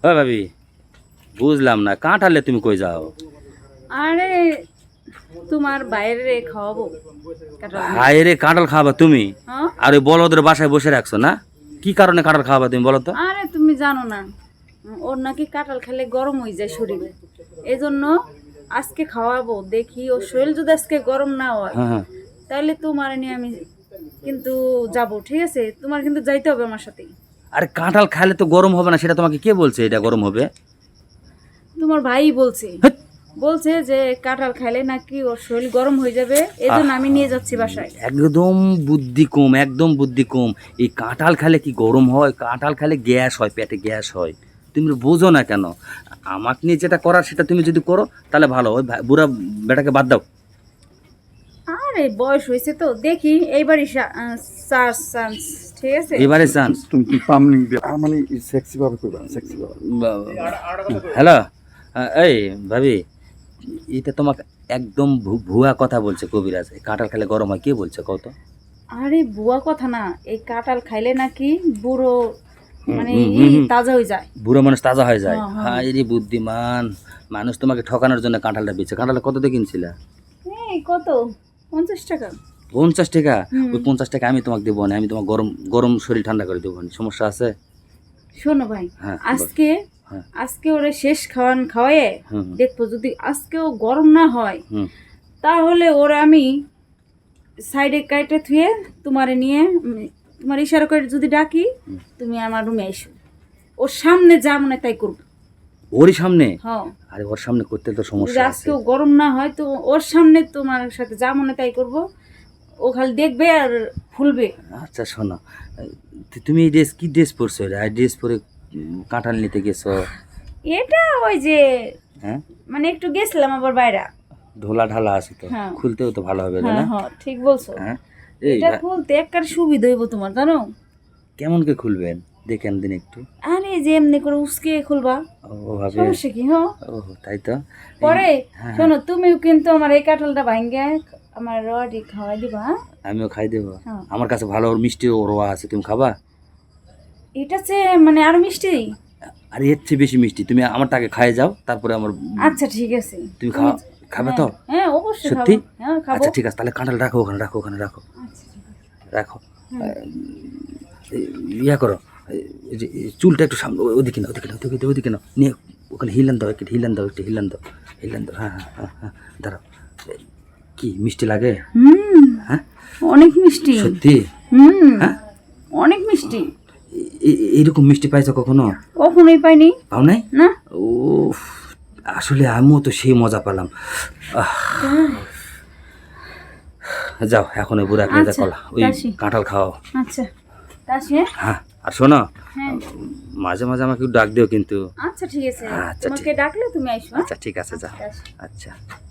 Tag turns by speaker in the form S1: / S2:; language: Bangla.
S1: ও ভাবি, বুঝলাম না, কাঁঠালে তুমি কই যাও?
S2: আরে তোমার বাইরে খাওয়াবো কাঁঠাল দিয়ে।
S1: হায় রে, কাঁঠাল খাওয়াবা তুমি?
S2: হ্যাঁ?
S1: আর ওই বলদের বাসায় বসে রাখছো না? কি কারণে কাঁঠাল খাওয়াবা তুমি বলো তো?
S2: আরে তুমি জানো না, ওর নাকি কাঁঠাল খেলে গরম হয়ে যায় শরীরে, এই জন্য আজকে খাওয়াবো। দেখি ওর শরীর যদি আজকে গরম না হয়
S1: হ্যাঁ হ্যাঁ।
S2: তাহলে তোমার নিয়ে আমি কিন্তু যাব, ঠিক আছে? তোমার কিন্তু যাইতে হবে আমার সাথে।
S1: আরে কাঁঠাল খাইলে তো গরম হবে না, সেটা তোমাকে কে বলছে এটা গরম হবে?
S2: তোমার ভাই বলছে,
S1: হেৎ।
S2: বলছে যে কাঁঠাল খাইলে নাকি ওর শরীর গরম হয়ে যাবে, এই জন্য আমি নিয়ে যাচ্ছি বাসায়।
S1: একদম বুদ্ধি কম, একদম বুদ্ধি কম। এই কাঁঠাল খেলে কি গরম হয়? কাঁঠাল খেলে গ্যাস হয়, পেটে গ্যাস হয়। তুমি বোঝো না কেন? আমাকে নিয়ে যেটা করার সেটা তুমি যদি করো তাহলে ভালো। ওই বুড়া বেটাকে বাদ দাও।
S2: আরে বয়স হয়েছে তো, দেখি এইবারই চান্স, ঠিক আছে?
S1: এবারে চান্স।
S3: তুমি পামলিং দিয়ে মানে সেক্সি ভাবে কইবা, সেক্সি ভাবে।
S1: হ্যালো, এই ভাবি, এটা তোমাকে একদম ভুয়া কথা বলছে কবিরাজ। এই কাঁঠাল খেলে গরম হয় কে বলছে কত?
S2: আরে বুয়া কথা না, এই কাঁঠাল খাইলে নাকি বুড়ো মানে তাজা হয়ে যায়।
S1: বুড়ো মানুষ তাজা হয়ে যায়।
S2: হ্যাঁ, হ্যাঁ।
S1: হায় রে বুদ্ধিমান মানুষ, তোমাকে ঠকানোর জন্য কাঁঠালটা বেচে। কাঁঠালটা কত দিয়ে কিনছিলে?
S2: এই কত? 50 টাকা।
S1: 50 টাকা?
S2: হুম।
S1: ওই 50 টাকা আমি তোমাকে দেবো না, আমি তোমার গরম গরম শরীর ঠান্ডা করে দেবো না। সমস্যা আছে?
S2: শোনো ভাই,
S1: হ্যাঁ,
S2: আজকে
S1: হ্যাঁ।
S2: আজকে ওরে শেষ খাওয়ায়ে
S1: হুম
S2: দেখবো, যদি আজকেও গরম না হয়
S1: হুম।
S2: তাহলে ওরা আমি সাইডে কাইটে থুয়ে তোমারে নিয়ে তোমার ইশারা করে যদি ডাকি, তুমি আমার রুমে এসো, ওর সামনে যা মনে তাই করবো।
S1: ওরই সামনে?
S2: হ্যাঁ,
S1: আরে ওর সামনে করতে তো
S2: যদি
S1: সমস্যা আছে।
S2: আজকেও গরম না হয় তো ওর সামনে তোমার সাথে যা মনে তাই করবো। ও খালি দেখবে আর ফুলবে।
S1: আচ্ছা শোনো, তুমি এই ড্রেস কি ড্রেস পরছো? এই ড্রেস পরে কাঁঠাল নিতে গেছো?
S2: এটা ওই যে
S1: হ্যাঁ,
S2: মানে একটু গেছিলাম আবার বাইরে।
S1: ঢোলা ঢালা আছে তো,
S2: হ্যাঁ।
S1: খুলতেও তো ভালো হবে তাই
S2: হ্যাঁ
S1: না?
S2: হ্যাঁ, ঠিক বলছো।
S1: হ্যাঁ। এই
S2: এটা খুলতে একবার সুবিধা হইব তোমার, জানো?
S1: কেমন কে খুলবেন দেখেন দিন একটু।
S2: আরে যে এমনি করে উসকে খুলবা,
S1: ও ভাবে,
S2: সমস্যা কি? হ্যাঁ,
S1: ও তাই তো।
S2: পরে
S1: হ্যাঁ,
S2: শোনো, তুমিও কিন্তু আমার এই কাঁঠালটা ভাঙ্গে আমার রডি খাওয়াই দিবা, হ্যাঁ?
S1: আমিও খাই দেবো।
S2: হ্যাঁ।
S1: আমার কাছে ভালো ওর মিষ্টি রোয়া আছে, তুমি খাবা?
S2: এটা চেয়ে মানে আরো মিষ্টি।
S1: আর এর চেয়ে বেশি মিষ্টি। তুমি আমারটাকে খাই যাও, তারপরে আমার
S2: আচ্ছা ঠিক আছে,
S1: তুমি খাবে তো?
S2: হ্যাঁ অবশ্যই খাবো।
S1: সত্যি?
S2: হ্যাঁ খাবো।
S1: আচ্ছা ঠিক আছে, তাহলে কাঁঠাল রাখো ওখানে, রাখো ওখানে, রাখো
S2: আচ্ছা, ঠিক আছে।
S1: রাখো। ইয়া করো, এই যে এই চুলটা একটু সামনে, ওদিকে না, ওদিকে না, ওদিকে ওদিকে না, নিয়ে ওখানে হিলান দাও, একটু হিলান দাও, একটু হিলান দাও, হিলান দাও। হ্যাঁ হ্যাঁ হ্যাঁ হ্যাঁ, দাঁড়াও। কি মিষ্টি লাগে?
S2: হুম,
S1: হ্যাঁ
S2: অনেক মিষ্টি।
S1: সত্যি?
S2: হুম,
S1: হ্যাঁ,
S2: অনেক মিষ্টি।
S1: এইরকম মিষ্টি পাইছো কখনো?
S2: কখনোই পাইনি।
S1: পাও নাই?
S2: না।
S1: ও, আসলে আমিও তো সেই মজা পেলাম। যাও এখন ওই বুড়া খেয়ে
S2: আচ্ছা,
S1: কলা ওই
S2: যাচ্ছি।
S1: কাঁঠাল খাও।
S2: আচ্ছা তাসে।
S1: হ্যাঁ, আর শোনো,
S2: হ্যাঁ,
S1: মাঝে মাঝে আমাকে একটু ডাক দিও কিন্তু।
S2: আচ্ছা ঠিক আছে,
S1: আচ্ছা,
S2: তোমাকে ডাকলে তুমি আইসো।
S1: আচ্ছা ঠিক আছে, যাও।
S2: আচ্ছা।
S1: আচ্ছা।